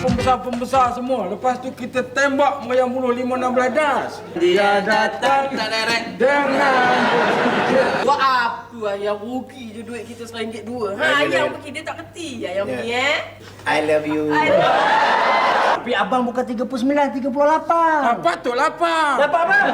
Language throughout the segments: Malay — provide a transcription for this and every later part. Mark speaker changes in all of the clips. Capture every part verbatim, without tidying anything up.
Speaker 1: pembesar-pembesar semua. Lepas tu kita tembak meriam bunuh lima enam beladas. Dia datang
Speaker 2: tak direct
Speaker 1: dengan
Speaker 2: buat apa yang rugi je duit kita seringgit dua. Ha, yang pergi dia tak kerti yang pergi eh.
Speaker 3: I love you.
Speaker 2: I love
Speaker 3: Tapi abang bukan tiga puluh sembilan, tiga puluh lapan.
Speaker 1: ah, patut lapar.
Speaker 3: Dapat abang?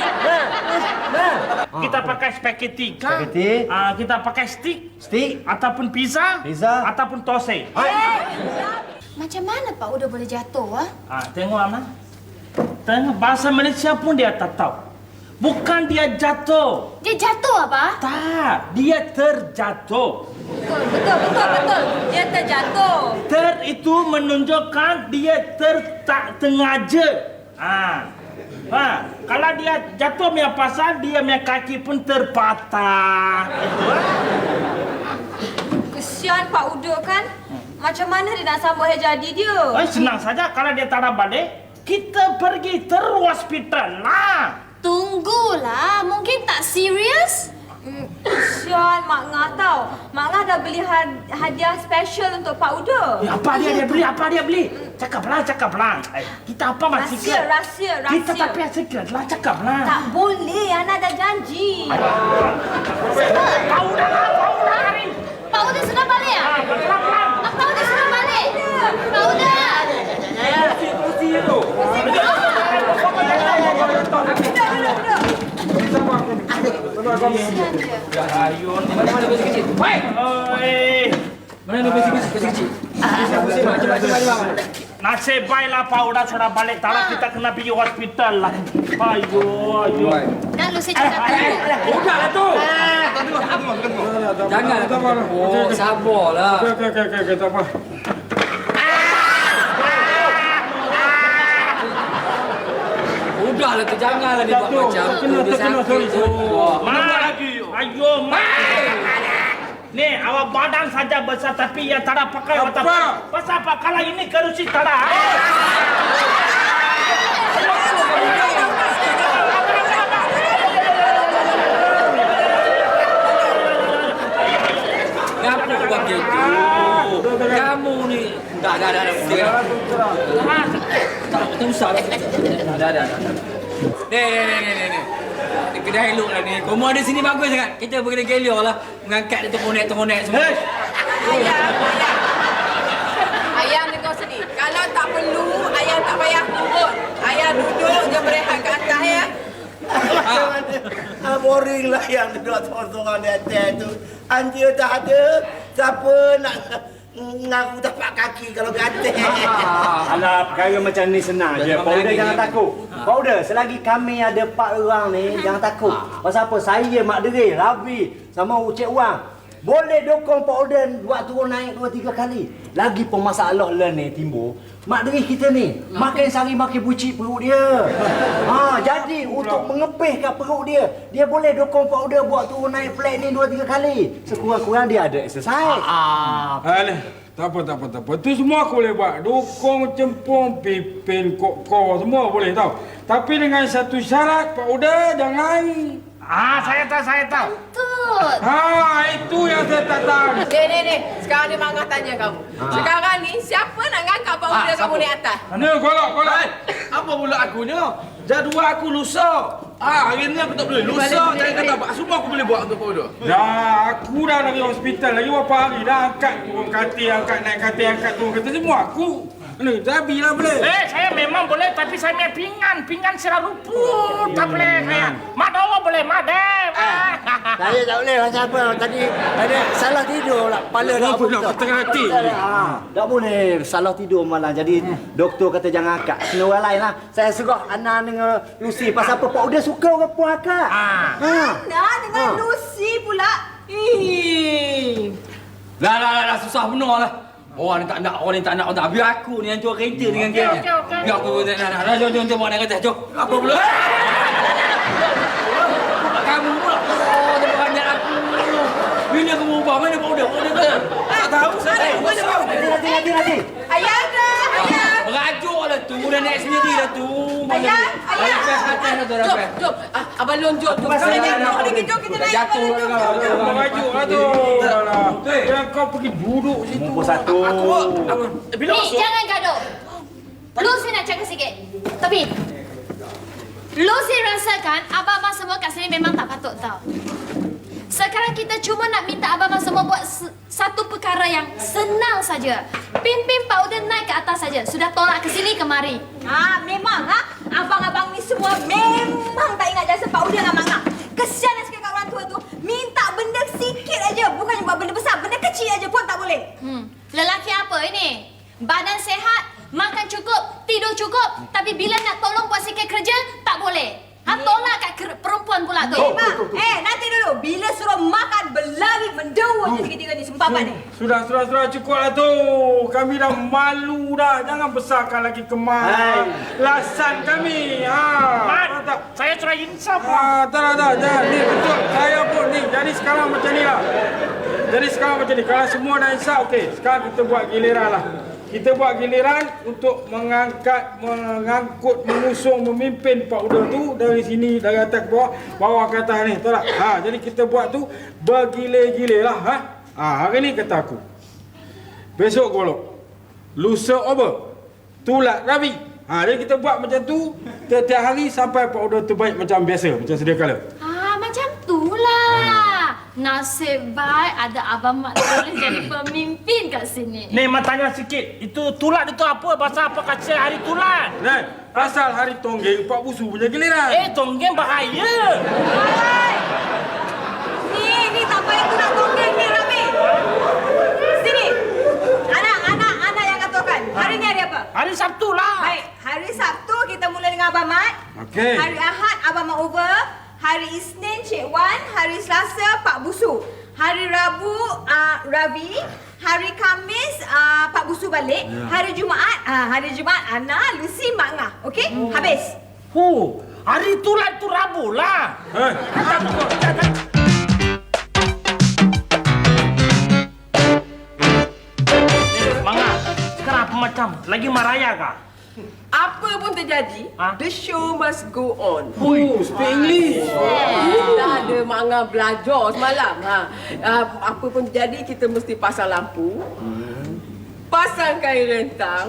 Speaker 4: Kita pakai spaghetti kah?
Speaker 3: Spaghetti.
Speaker 4: Ah, kita pakai stick
Speaker 3: Stick.
Speaker 4: ataupun pizza,
Speaker 3: Pizza.
Speaker 4: ataupun tose.
Speaker 5: Macam mana Pak Uda boleh jatuh, ah?
Speaker 4: Ah, tengok Ana. Tengok bahasa Malaysia pun dia tak tahu. Bukan dia jatuh.
Speaker 5: Dia jatuh, apa?
Speaker 4: Tak, dia terjatuh.
Speaker 2: Betul, betul, betul, betul. Dia terjatuh.
Speaker 4: Ter itu menunjukkan dia ter tak sengaja. Ah. Ha, kalau dia jatuh punya pasal dia punya kaki pun terpatah. Itu.
Speaker 2: Kesian Pak Uda kan? Macam mana dia nak sambut hari jadi dia?
Speaker 4: Eh, senang saja kalau dia tak ada balik, kita pergi terus hospital lah.
Speaker 5: Tunggulah, mungkin tak serius?
Speaker 2: Hmm, kesian Mak Ngah tau. Mak Ngah dah beli had- hadiah special untuk Pak Uda.
Speaker 4: Eh, apa dia dia beli? Apa dia beli? Cakaplah, cakaplah. Eh, kita apa masih
Speaker 2: Rahsia, rahsia, rahsia.
Speaker 4: Kita tak payah secret lah, cakaplah.
Speaker 2: Tak boleh, Ana dah janji.
Speaker 4: Pak Uda lah, Pak Uda hari.
Speaker 5: Pak Uda sudah balik, ah?
Speaker 4: Ah, pelan-pelan.
Speaker 5: Ah, Pak Uda sudah balik. Pak Uda.
Speaker 1: Kursi tu.
Speaker 4: Ayun. Mana-mana besi kecil. Woi. Oi.
Speaker 2: Mana besi kecil, besi kecil.
Speaker 4: Nasib baiklah Pak Uda sudah balik. Tak lah kita kena pergi hospital lah. Ayo, ayo.
Speaker 5: Dan Lucy cakap tadi.
Speaker 2: Udahlah tu.
Speaker 1: Jangan.
Speaker 2: Oh, sabarlah.
Speaker 1: Okey, okey, okey, okey, tak apa.
Speaker 2: Udahlah tu, janganlah dia buat
Speaker 1: Jatuh.
Speaker 2: macam tu.
Speaker 1: Terkena,
Speaker 2: Dia
Speaker 1: terkena,
Speaker 2: sakit
Speaker 1: sorry,
Speaker 2: tu.
Speaker 1: sorry.
Speaker 4: Mak. Ayo, mak. Nih, awak badan saja besar tapi yang tak ada pakai
Speaker 1: Apa?
Speaker 4: otak. Pasal apa? Kalau ini kerusi tak ada.
Speaker 2: Kenapa kau buat gitu? Kamu ni. Dah, dah, dah. dah. Tak, tak usah dah. Dah, dah, dah. Ni, ni, ni, ni, ni. Ni kedai elok lah ni. Komo ada sini bagus sangat. Kita pergi kedai Gelio lah. Mengangkat dia tomonek-tomonek semua. Ayam, ayam. Ayam dengar sini. Kalau tak perlu, ayam tak payah turun. Ayam duduk je berehat kat atas ya.
Speaker 3: Ah, boring lah yang duduk sorang-sorang di atas tu. Anjir tak ada. Siapa nak ngaku tapak kaki kalau kata.
Speaker 6: Alah, perkara macam ni senang je. Pak Uda jangan takut. Pak Uda, selagi kami ada empat orang ni, jangan takut. Pasal apa? Saya, Mak Deri, Rabi sama Ucik Wang boleh dokong Pak Uda buat turun naik dua tiga kali. Lagi pun masalah lah ni timbul. Mak Deri kita ni makin sehari makin bucik perut dia. Ha, jadi untuk mengepihkan perut dia, dia boleh dokong Pak Uda buat turun naik flat ni dua tiga kali. Sekurang-kurang dia ada exercise.
Speaker 1: Ah, Alah, tak apa, tak apa, tak apa. Tu semua aku boleh buat. Dukung, cempung, pipin, kok-kok, semua boleh tau. Tapi dengan satu syarat, Pak Uda jangan...
Speaker 4: Ah, saya tahu, saya tahu.
Speaker 5: Tut.
Speaker 1: Ha, itu yang saya tak tahu.
Speaker 2: Ni, ni, ni. Sekarang dia Mak Ngah tanya kamu. Sekarang ni, siapa nak ngangkat Pak Uda kamu naik atas?
Speaker 1: Ni, kolak, kolak.
Speaker 7: Apa pula akunya? Jadual aku lusa. Ah, hari ni aku tak boleh. Lusa, jangan kata apa. Semua aku boleh buat untuk Pak Uda.
Speaker 1: Dah, aku dah dari hospital lagi berapa hari dah angkat turun katil, angkat naik katil, angkat turun katil semua aku. Ni, Zabi lah boleh.
Speaker 4: Eh, saya memang boleh tapi saya punya pinggan, pinggan sirah rumput. Tak boleh saya. Mak Dawa boleh, Mak Dev.
Speaker 6: Saya tak boleh macam apa. Tadi ada salah tidur lah. Kepala dah
Speaker 1: Apa nak ketengah hati?
Speaker 6: Ha, tak boleh salah tidur malah. Jadi doktor kata jangan akak. Kena orang lain lah. Saya serah Ana dengan Lucy. Pasal apa Pak Uda suka orang puan akak.
Speaker 4: Ha.
Speaker 2: Ana dengan Lucy pula. Ih.
Speaker 7: Dah, dah, dah, dah susah benar lah. Orang ni tak nak, orang ni tak nak, orang tak. Biar aku ni yang cuar kereta dengan
Speaker 4: Okey,
Speaker 7: gengnya.
Speaker 4: okey, okey.
Speaker 7: Biar aku, nak, nak, nak. Jom, jom, jom, bawa naik kereta. Jom. Apa pula? Kamu pula. Oh, dia banyak aku. Bini aku berubah. Mana Pak Uda? Pak Uda tu. Tak tahu saya.
Speaker 6: Nanti, nanti, nanti, nanti.
Speaker 2: Ayah ada, ayah.
Speaker 7: Merajuk lah tu. Dah naik sendiri lah tu.
Speaker 2: Ayah, ayah.
Speaker 7: Atas, atas lah tu.
Speaker 2: Jom,
Speaker 7: Rapat.
Speaker 2: jom. Ah, Abang Lon, jom. Jom,
Speaker 6: pasal
Speaker 2: jom,
Speaker 6: dah-
Speaker 2: jom, jom, jom, kita naik.
Speaker 7: Jatuh
Speaker 2: Abang Lon,
Speaker 7: lah.
Speaker 2: jom, jom.
Speaker 1: Merajuk lah tu. Alah. Yang kau pergi duduk situ.
Speaker 6: Nombor satu.
Speaker 7: Aku, aku, bila
Speaker 5: Ni,
Speaker 7: masuk?
Speaker 5: jangan gaduh. Lu sih nak cakap sikit. Tapi lu sih rasakan abang-abang semua kat sini memang tak patut tau. Sekarang kita cuma nak minta abang-abang semua buat satu perkara yang senang saja. Pimpin Pak Uda naik ke atas saja. Sudah tolak ke sini kemari.
Speaker 8: Ah, memang ha? Abang-abang ni semua memang tak ingat jasa Pak Uda dengan Mak Ngah. Kesian nak sekali kat orang tua tu. Minta benda sikit aja. Bukannya buat benda besar. Benda kecil aja pun tak boleh.
Speaker 5: Hmm. Lelaki apa ini? Badan sehat, makan cukup, tidur cukup. Tapi bila nak tolong buat sikit kerja, tak boleh. Ha, tolak kat perempuan pula tu.
Speaker 8: Eh, Mak. Eh, nanti dulu. Bila suruh makan, berlari mendewa je tiga-tiga ni. Sumpah Pak ni.
Speaker 1: Sudah, sudah, sudah. Cukup lah tu. Kami dah malu dah. Jangan besarkan lagi kemas. Lasan kami. Ha.
Speaker 4: Mat,
Speaker 1: tak.
Speaker 4: saya sudah insaf.
Speaker 1: Ah, tak, tak, tak. Jangan. Ni betul. Saya pun ni. Jadi sekarang macam ni lah. Jadi sekarang macam ni. Kalau semua dah insaf, okey. Sekarang kita buat giliran lah. Kita buat giliran untuk mengangkat, mengangkut, mengusung, memimpin Pak Uda tu dari sini, dari atas ke bawah, bawah ke atas ni. Tahu tak? Ha, jadi kita buat tu bergilir-gilir lah. Ha? Ha, hari ni kata aku. Besok golok. Lusa over. Tulat Rabi. Ha, jadi kita buat macam tu setiap hari sampai Pak Uda tu baik macam biasa, macam sedia kala.
Speaker 5: Ah, macam tu lah. Nasib baik ada Abang Mat boleh jadi pemimpin kat sini.
Speaker 4: Ni, Mak tanya sikit. Itu tulat itu apa? Pasal apa kasih hari tulat?
Speaker 1: Nah, pasal hari tonggeng Pak Busu punya giliran.
Speaker 4: Eh, tonggeng bahaya.
Speaker 8: Hai. Ni, ni tak payah tu nak tonggeng ni, Rabi. Sini. Anak, anak, anak yang katakan. Hari ni hari apa?
Speaker 4: Hari Sabtu lah.
Speaker 8: Baik, hari Sabtu kita mula dengan Abang Mat.
Speaker 1: Okey.
Speaker 8: Hari Ahad Abang Mat over. Hari Isnin Cik Wan. Hari Selasa Pak Busu. Hari Rabu uh, Ravi. Hari Khamis uh, Pak Busu balik. Ya. Hari Jumaat uh, hari Jumaat Ana, Lucy, Mak Ngah. Okey? Oh. Habis.
Speaker 4: Oh, hari tulat tu Rabu lah.
Speaker 1: Eh.
Speaker 4: Mak Ngah, sekarang apa macam? Lagi maraya kah?
Speaker 9: Apa pun terjadi,
Speaker 4: Ha?
Speaker 9: the show must go on.
Speaker 1: Oh, speak English.
Speaker 9: Dah ada Mak Ngah belajar semalam. Ha. Uh, apa pun terjadi, kita mesti pasang lampu, pasang kain rentang,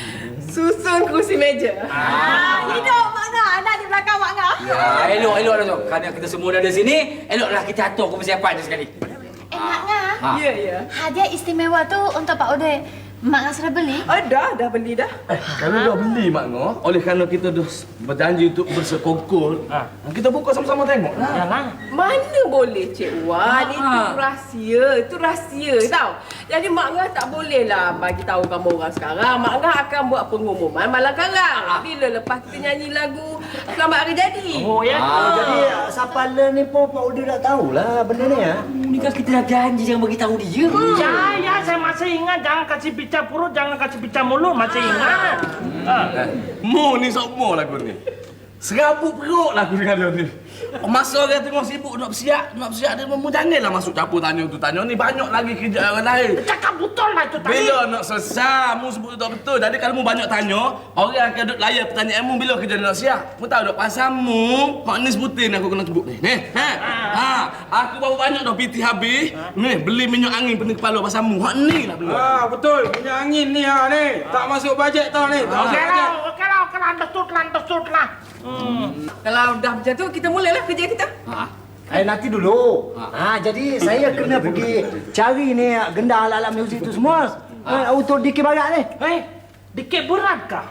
Speaker 9: susun kursi meja.
Speaker 8: Ah, hidup Mak Ngah. Anak di belakang Mak Ngah.
Speaker 2: Ya, elok, elok dah tu. Kerana kita semua dah ada sini, eloklah kita atur persiapan je sekali.
Speaker 5: Eh, Mak Ngah.
Speaker 2: Ha.
Speaker 9: Ya, ya.
Speaker 5: Hadiah istimewa tu untuk Pak Uda. Mak Ngah sudah beli?
Speaker 9: Oh, dah, dah beli dah.
Speaker 7: Eh, kalau dah beli Mak Ngah, oleh kerana kita dah berjanji untuk bersekongkol,
Speaker 4: Ha.
Speaker 7: kita buka sama-sama tengok lah.
Speaker 4: Yalah.
Speaker 9: Mana boleh Cik Wan,
Speaker 2: Ah.
Speaker 9: itu rahsia, itu rahsia tau. Jadi Mak Ngah tak boleh lah bagi tahu kamu orang sekarang. Mak Ngah akan buat pengumuman malam karang. Bila lepas kita nyanyi lagu Selamat Hari Jadi.
Speaker 4: Oh, ya.
Speaker 6: Oh, jadi siapa le ni pun Pak Uda tak tahulah benda ni ya.
Speaker 2: Ni kan kita dah janji jangan bagi tahu dia.
Speaker 4: Ya, ya, saya masih ingat. Jangan kasih bicara perut, jangan kasih bicara mulut. Masih ingat. Ha.
Speaker 7: Mu ni semua lagu ni. Serabut perut lagu dia kata ni. Masa orang tengok sibuk nak bersiap, nak bersiap dia mu janganlah masuk campur tanya tu tanya ni, banyak lagi kerja orang lain.
Speaker 4: Cakap betul lah itu tadi.
Speaker 7: Bila nak selesai, mu sebut betul betul. Jadi kalau mu banyak tanya, orang akan duduk layan pertanyaan mu bila kerja nak siap. Mu tahu tak pasal mu, mak ni sebutin aku kena sebut ni. Ni, ha. Ha, aku baru banyak dah piti habis. Ni, beli minyak angin pening kepala pasal mu. Hak ni lah beli.
Speaker 1: Ah, betul. Punya angin ni ha ni. Tak masuk bajet tau ni. Tak masuk
Speaker 4: Okey
Speaker 1: bajet.
Speaker 4: lah, okey lah, okey lah. Understood lah, understood lah. Hmm.
Speaker 9: Kalau dah macam tu, kita mulalah kerja kita.
Speaker 2: Ha.
Speaker 6: Eh nanti dulu. Ha, jadi saya kena pergi cari ni gendang alat-alat muzik tu semua. Ha, untuk D K Barat ni.
Speaker 4: Eh, dikit berat kah?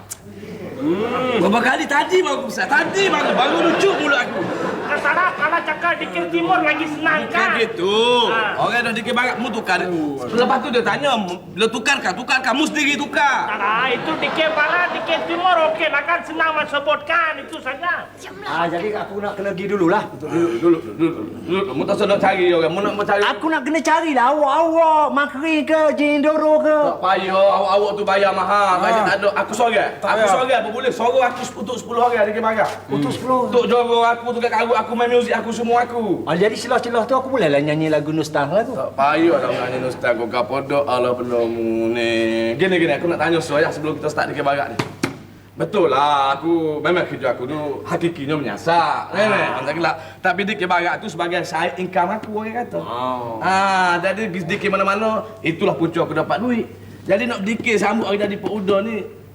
Speaker 7: Berapa kali tadi baru aku besar. Tadi baru baru lucu mulut aku.
Speaker 4: Katalah kalau cakap dikit timur lagi senang
Speaker 7: Kan
Speaker 4: kan?
Speaker 7: gitu.
Speaker 4: Ha.
Speaker 7: Orang dah dikit barat mu tukar. Lepas tu dia tanya, bila tukarkah? Tukarkah? Mu sendiri tukar.
Speaker 4: Nah, itu dikit barat, dikit timur okey lah kan, senang sebutkan itu saja.
Speaker 6: Ha, jadi aku nak kena pergi dululah.
Speaker 7: Dulu, dulu, dulu, dulu. Mu tak sedap cari orang. Mu nak mencari.
Speaker 6: Aku nak kena carilah awak-awak Makri ke Jindoro ke.
Speaker 7: Tak payah, awak-awak tu bayar mahal. Bayar tak ada. Aku sorang.
Speaker 1: Tak
Speaker 7: Aku
Speaker 1: payah.
Speaker 7: sorang apa boleh. Sorang aku untuk sepuluh orang dikit barat.
Speaker 6: Untuk sepuluh.
Speaker 7: Untuk jorong aku, untuk karut aku, main muzik aku, semua aku.
Speaker 6: Ah, jadi celah-celah tu aku bolehlah nyanyi lagu Nostalgia tu.
Speaker 7: Tak payah dah nyanyi Nostal kau kapodok ala penamu ni. Gini gini aku nak tanya soal sebelum kita start di barat ni. Betul lah aku memang kerja aku tu hakikinya menyasak. Nenek, macam gelap. Tapi di barat tu sebagai side income aku orang kata. Oh. Ah, jadi di mana-mana itulah punca aku dapat duit. Jadi nak dikir sambut hari jadi Pak Uda ni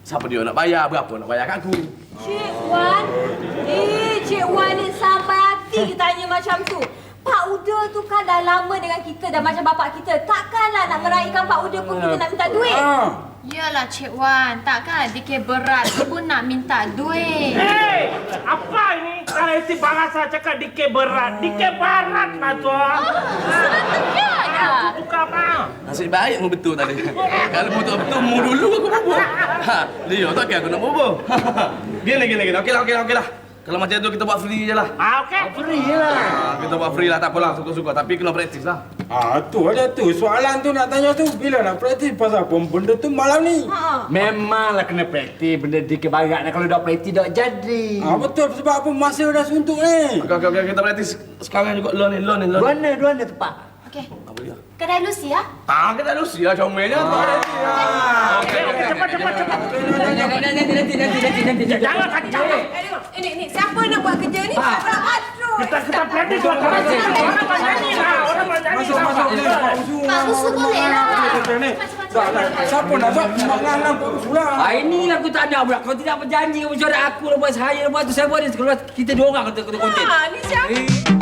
Speaker 7: Siapa dia nak bayar, berapa nak bayar kat aku.
Speaker 8: Cik Wan. Eh, Cik Wan ni sampai hati ditanya macam tu. Pak Uda tu kan dah lama dengan kita, dah macam bapak kita. Takkanlah nak meraihkan Pak Uda pun kita nak minta duit.
Speaker 5: Yalah Cik Wan, takkan D K berat pun nak minta duit.
Speaker 4: Hei, apa ini? Kalau isi bahasa cakap D K berat, D K barat lah tu.
Speaker 5: Sebenarnya.
Speaker 4: Buka apa?
Speaker 7: Nasib baik mu betul tadi. Kalau betul-betul mu dulu aku bobo. Ha, dia tak kira aku nak bobo. Gini gini gini. Okeylah okeylah okeylah. Kalau macam tu kita buat free je lah.
Speaker 4: Ah, okey. Free je lah.
Speaker 7: Ha, kita buat free lah, tak apalah, suka-suka. Tapi kena praktis lah.
Speaker 1: Ah, tu ada tu. Soalan tu nak tanya tu. Bila nak praktis pasal apa benda tu malam ni?
Speaker 8: Ha.
Speaker 6: Memanglah kena praktis benda di kebarat. Kalau dah praktis tak jadi.
Speaker 1: Ah, betul. Sebab apa masa dah suntuk ni?
Speaker 7: Okey okey okey, kita praktis sekarang juga loan ni, loan ni, loan.
Speaker 6: Dua mana, dua mana tempat?
Speaker 5: Okey.
Speaker 7: Apa dia?
Speaker 5: Kedai Lucy ya?
Speaker 7: Ah, kita Lucy lah comelnya.
Speaker 4: Okey, okey, cepat, cepat, cepat.
Speaker 2: Nanti, nanti, nanti, nanti, nanti, nanti.
Speaker 4: Jangan kacau.
Speaker 8: Eh, ni, ni, siapa nak buat kerja ni? Aduh.
Speaker 4: Kita kita praktis dua kali. Orang berjanji lah, orang berjanji
Speaker 1: Masuk
Speaker 4: lah.
Speaker 1: masuk ni.
Speaker 5: Pak Busu boleh lah.
Speaker 1: Dah dah. Siapa nak buat menganang Pak Busu lah?
Speaker 2: Ah, inilah aku tak nak pula. Kau tidak berjanji kau mencuri aku lepas saya lepas tu saya buat ni keluar kita dua orang kata kata konten.
Speaker 8: Ha, ni siapa?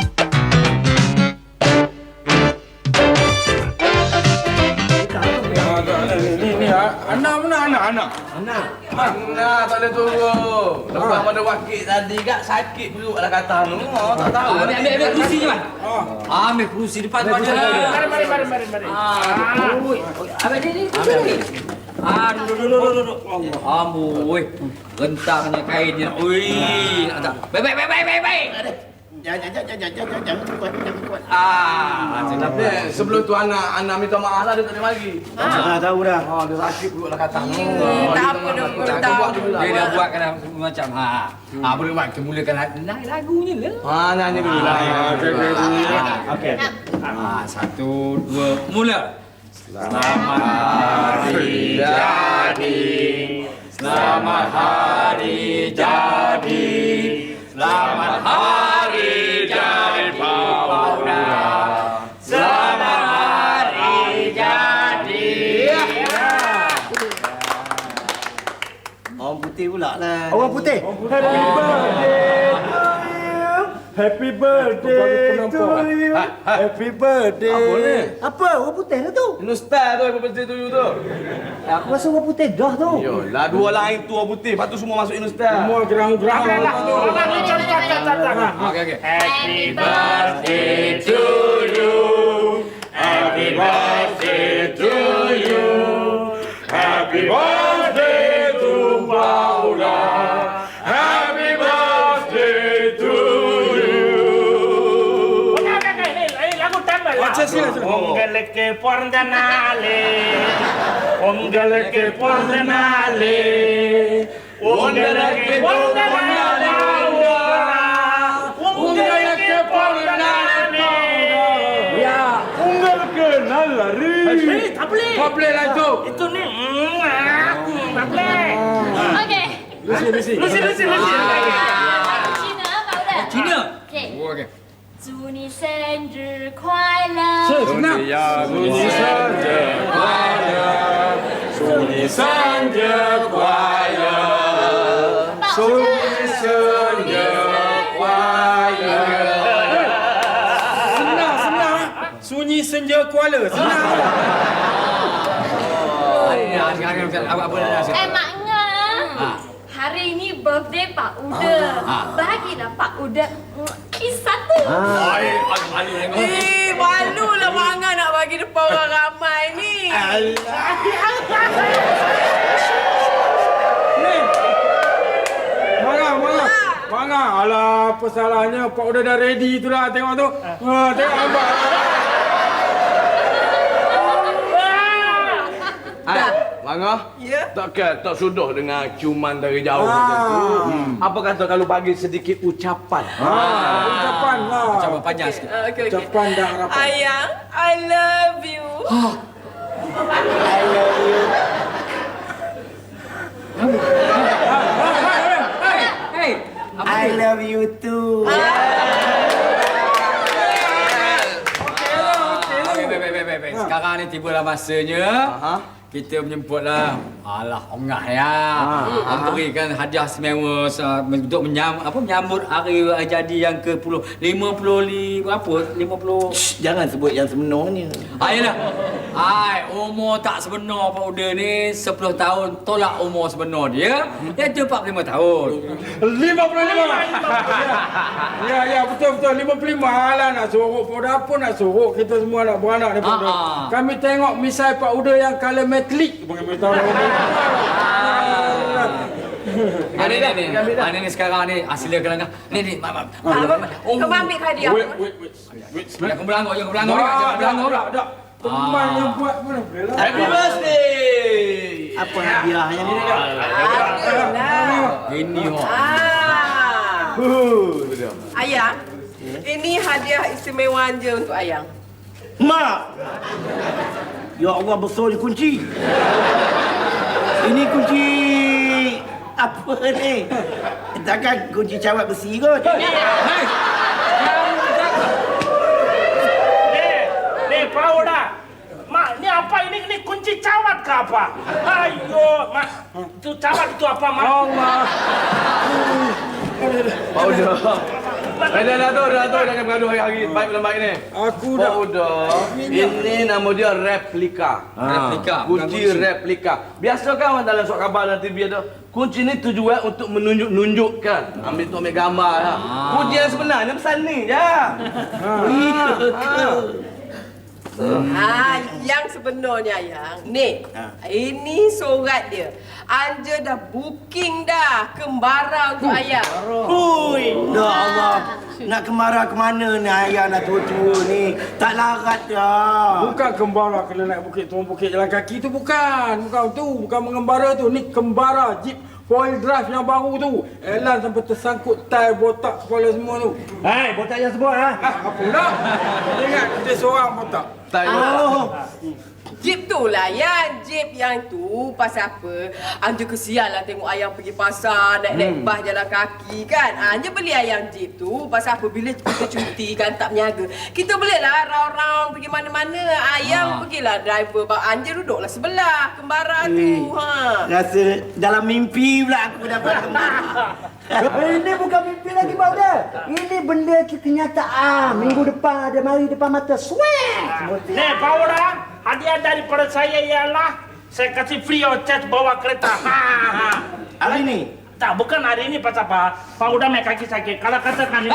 Speaker 1: Ni ni anak mana anak anak?
Speaker 6: Anak.
Speaker 7: Mana tak boleh turun. Lepas pada wakil tadi kak sakit perut lah kata anu. Oh, tak tahu.
Speaker 2: Ambil ambil ambil kerusi je man. Ah, ambil kerusi depan tu aja.
Speaker 4: Mari, mari, mari, mari, mari.
Speaker 2: Ah, oi. Ambil ni ni. Ambil. Ah, duduk duduk duduk duduk. Amboi. Rentangnya kainnya. Oi. Baik baik baik baik baik baik.
Speaker 3: Jangan, jangan, jangan, jangan, jangan, jangan kuat, jangan kuat.
Speaker 2: Ah, sedap.
Speaker 7: Eh, sebelum tu anak anak minta maaf lah dia tak ada lagi.
Speaker 6: Ah, tahu dah.
Speaker 7: Oh, dia sakit perut lah kata anu.
Speaker 8: tak apa dah,
Speaker 7: Tak
Speaker 8: tahu.
Speaker 7: buat dulu lah.
Speaker 2: Dia dah buat kan macam ha. Ah, boleh buat kita mulakan naik lagunya lah.
Speaker 7: Ah, nyanyi dulu lah.
Speaker 6: Okey.
Speaker 2: Ah, satu, dua, mula. Selamat hari jadi. Selamat hari jadi. Selamat hari jadi Pauda. Selamat hari jadi.
Speaker 6: Orang putih pula lah. Orang putih. Happy birthday to you. Happy birthday.
Speaker 7: Apa ni?
Speaker 6: Apa? Orang putih lah tu.
Speaker 7: Nostal tu apa birthday tu you tu?
Speaker 6: Aku rasa orang putih dah tu.
Speaker 7: Yolah, dua lain tu orang putih. Lepas tu semua masuk Nostal.
Speaker 1: Semua gerang-gerang.
Speaker 4: Okey lah. Orang ni cacat, cacat, cacat.
Speaker 2: Okey okey.
Speaker 4: Happy birthday to you. Happy birthday to you. Happy birthday to Paula. Happy birthday to you. Okey okey okey. Ini lagu tambah lah.
Speaker 1: Baca sila sila.
Speaker 4: Ongeleke pordanale. Ongeleke pordanale. Ongeleke pordanale. Ongeleke pordanale.
Speaker 1: Ya, unggal kenal lari.
Speaker 4: Eh, tak boleh.
Speaker 1: Tak boleh lah itu.
Speaker 4: Itu ni. Hmm, ah, tak boleh.
Speaker 5: Okey.
Speaker 1: Lucy, Lucy.
Speaker 4: Lucy, Lucy, Lucy.
Speaker 5: Lagu Cina Pak Uda.
Speaker 2: Cina.
Speaker 5: Okey.
Speaker 2: Okey.
Speaker 5: 祝你生日快乐！
Speaker 1: Senang.
Speaker 7: 祝你生日快乐，祝你生日快乐，祝你生日快乐。
Speaker 1: Senang, senang. Sunyi senja Kuala. Senang.
Speaker 2: Oh, ya, sekarang apa apa dah.
Speaker 5: Eh, Mak Ngah. Hari ini birthday Pak Uda. Bagilah Pak Uda kiss satu.
Speaker 9: Eh, malulah Mak Angah nak bagi depan orang ramai ni.
Speaker 1: Ni. Marah, marah. Marah. Alah, apa salahnya? Pak Uda dah ready tu lah. Tengok tu. Ha, tengok abang.
Speaker 7: Hai, Mangah?
Speaker 9: Ya?
Speaker 7: Takkan tak sudah dengan ciuman dari jauh macam tu. Apa kata kalau bagi sedikit ucapan?
Speaker 1: Ha, ucapan lah.
Speaker 2: Ucapan panjang sikit.
Speaker 9: Ah, okey, okey.
Speaker 1: Ucapan dah harapan.
Speaker 9: Ayang, I love you.
Speaker 6: I love you.
Speaker 2: Hey,
Speaker 6: I love you too.
Speaker 2: Okey, baik baik baik baik. Sekarang ni tibalah masanya.
Speaker 7: Ha?
Speaker 2: Kita menyebutlah ah, Alah, ongah ya. Aku berikan hadiah istimewa uh, untuk menyambut apa menyambut hari jadi yang ke lima puluh berapa? lima puluh.
Speaker 3: Shh, jangan sebut yang sebenarnya.
Speaker 2: Ayolah. Ai, umur tak sebenar Pak Uda ni sepuluh tahun tolak umur sebenar dia. Dia tu empat puluh lima tahun.
Speaker 1: lima puluh lima. Ya, ya, betul betul lima puluh lima. Alah nak suruh pada apa nak suruh kita semua nak beranak daripada.
Speaker 2: Ah, ah.
Speaker 1: Kami tengok misai Pak Uda yang color metalik. Bagi tahu.
Speaker 2: Ah, ni ni ni. Ah, ni ni sekarang ni asli kelangkah. Ni ni, mak mak.
Speaker 8: Kau ambil hadiah.
Speaker 1: Wait, wait, wait. Wait,
Speaker 2: Jangan berlanggar, jangan berlanggar, jangan berlanggar.
Speaker 1: Tak, tak. Teman yang buat mana boleh lah.
Speaker 3: Happy birthday. Apa hadiahnya ni?
Speaker 8: Adalah.
Speaker 2: Ini ho.
Speaker 8: Ah. Ayang, ini hadiah istimewa je untuk Ayang.
Speaker 3: Mak. Ya Allah, besar ni kunci. Ini kunci apa ni? Takkan kunci cawat besi kot.
Speaker 4: Nih, nih Pauda. Mak, ni apa ini? Ini kunci cawat ke apa? Ayo, Mak. Itu cawat itu apa, Mak?
Speaker 1: Allah.
Speaker 7: Pak Uda. Eh, dah, dah tu, dah tu. Jangan bergaduh hari-hari. Baik dalam baik ni.
Speaker 1: Aku
Speaker 7: Pak
Speaker 1: dah
Speaker 7: Uda, ini nama dia replika.
Speaker 2: Replika.
Speaker 7: Kunci replika. Biasa kan orang dalam surat khabar dan T V ada. Kunci ni tujuan untuk menunjuk-nunjukkan. Ambil tu ambil gambar lah. Kunci yang sebenarnya pesan ni je.
Speaker 9: Ah, yang sebenarnya yang ni. Ini surat dia. Anja dah booking dah kembara untuk Ayang.
Speaker 3: Hui, ya Allah. Nak kemara ke mana ni ayah nak tua-tua ni? Tak larat dah.
Speaker 1: bukan kembara kena naik bukit turun bukit jalan kaki tu bukan. Bukan tu, bukan mengembara tu. Ni kembara Jeep four-wheel drive yang baru tu. Elan sampai tersangkut tai botak kepala semua tu.
Speaker 6: Hai, botak yang sebut ha.
Speaker 1: Ah, apa pula? Kita ingat kita seorang botak.
Speaker 7: Tak
Speaker 3: Oh.
Speaker 9: Jeep tu lah ya, Jeep yang tu pasal apa? Anja kesian lah tengok Ayang pergi pasar, naik-naik
Speaker 7: Hmm.
Speaker 9: bas jalan kaki kan. Anja beli Ayang Jeep tu pasal apa? Bila kita cuti kan tak berniaga. Kita bolehlah round-round pergi mana-mana. Ayang
Speaker 2: Ah.
Speaker 9: pergilah driver. Anja duduklah sebelah kembara tu. Ha.
Speaker 3: Rasa dalam mimpi pula aku dapat kembara.
Speaker 6: Ini bukan mimpi lagi, Pak Uda. Ini benda kenyataan. Minggu depan ada mari depan mata. Swag!
Speaker 4: Nih, Pauda, hadiah daripada saya ialah saya kasih free of charge bawa kereta. Ha, ha.
Speaker 3: Hari ni?
Speaker 4: Tak, bukan hari ini pasal apa? Pauda main kaki sakit. Kalau katakan ini.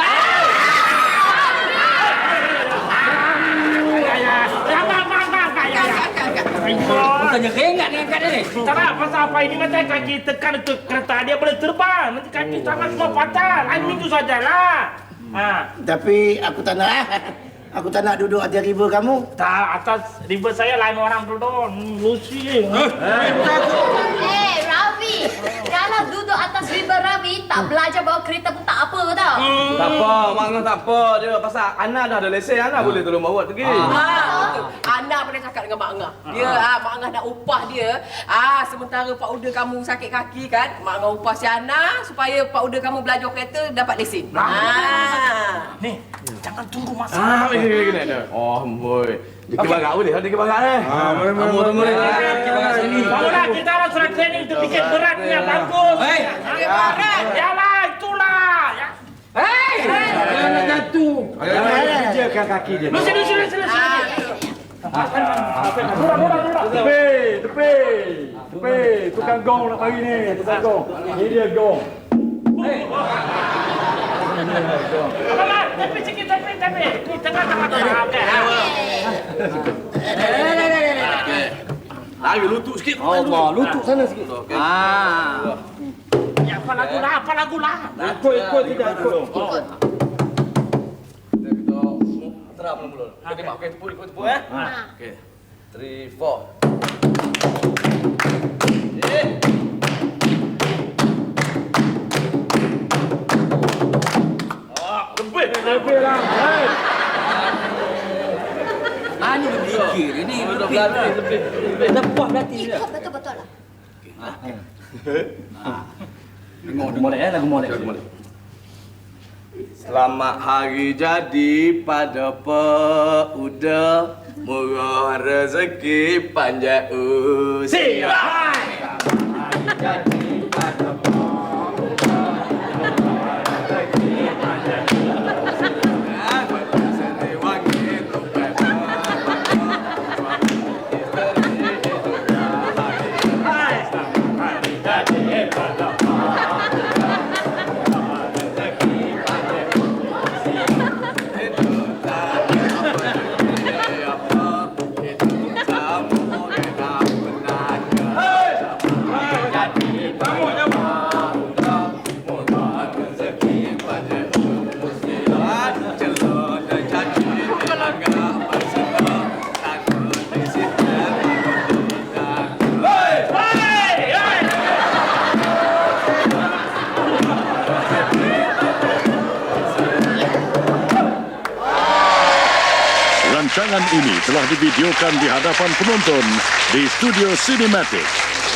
Speaker 2: Bukannya keringat ni angkat dia ni.
Speaker 4: Tak nak pasal apa ini nanti kaki tekan itu kereta dia boleh terbang. Nanti kaki tangan semua patah. Lain minggu sajalah. Ha.
Speaker 3: Tapi aku tak nak. Aku tak nak duduk atas river kamu.
Speaker 4: Tak, atas river saya lain orang duduk. Hmm, Lucy.
Speaker 5: Eh, Ravi. Kalau duduk atas river Ravi, tak belajar bawa kereta pun tak apa tau.
Speaker 7: Tak apa, Mak Ngah tak apa. Dia pasal Ana dah ada lesen, Ana boleh tolong bawa pergi.
Speaker 9: Ha, betul. Ana pernah cakap dengan Mak Ngah. Dia ah Mak Ngah nak upah dia. Ah sementara Pak Uda kamu sakit kaki kan, Mak Ngah upah si Ana supaya Pak Uda kamu belajar kereta dapat lesen. Ah.
Speaker 4: Nih, jangan tunggu masa.
Speaker 7: Ah, gini gini gini. Oh, boy. Dia kebarak boleh, dia kebarak ni.
Speaker 1: Ah, boleh, boleh,
Speaker 7: Kamu tunggu ni.
Speaker 1: boleh.
Speaker 7: Kebarak sini.
Speaker 4: Pauda, kita harus surat training untuk bikin beratnya bagus.
Speaker 2: Hei,
Speaker 4: Berat. Yalah, itulah. Ya.
Speaker 2: hei.
Speaker 1: Jangan nak jatuh.
Speaker 6: Kerjakan kaki dia.
Speaker 4: Lucy, Lucy, Lucy, Lucy.
Speaker 6: Tepi, tepi. Tepi. Tukang gong nak mari ni. Tukang gong. Ini dia gong.
Speaker 4: Apa lah? Tepi sikit, tepi, tepi. Ni tengah-tengah tengah. Okey.
Speaker 7: Lagi lutut sikit.
Speaker 6: Allah, lutut sana sikit.
Speaker 7: Okey.
Speaker 2: Ah.
Speaker 4: Ya, apa lagu lah? Apa lagu lah?
Speaker 1: Ikut, ikut, tidak ikut.
Speaker 5: Ikut.
Speaker 7: Kita terap mula. Okey, mak okey tepu ikut tepu eh. Okey. three four. Eh. Ah, lebih.
Speaker 1: Lebih lah. Hai.
Speaker 2: Ani berfikir ini
Speaker 7: Dah berlatih lebih.
Speaker 2: lepas berarti dia.
Speaker 5: Ikut betul-betul lah.
Speaker 6: Lagu molek eh, lagu molek.
Speaker 7: Selamat hari jadi pada Pak Uda, murah rezeki panjang usia.
Speaker 10: Rancangan ini telah divideokan di hadapan penonton di Studio Cinematic.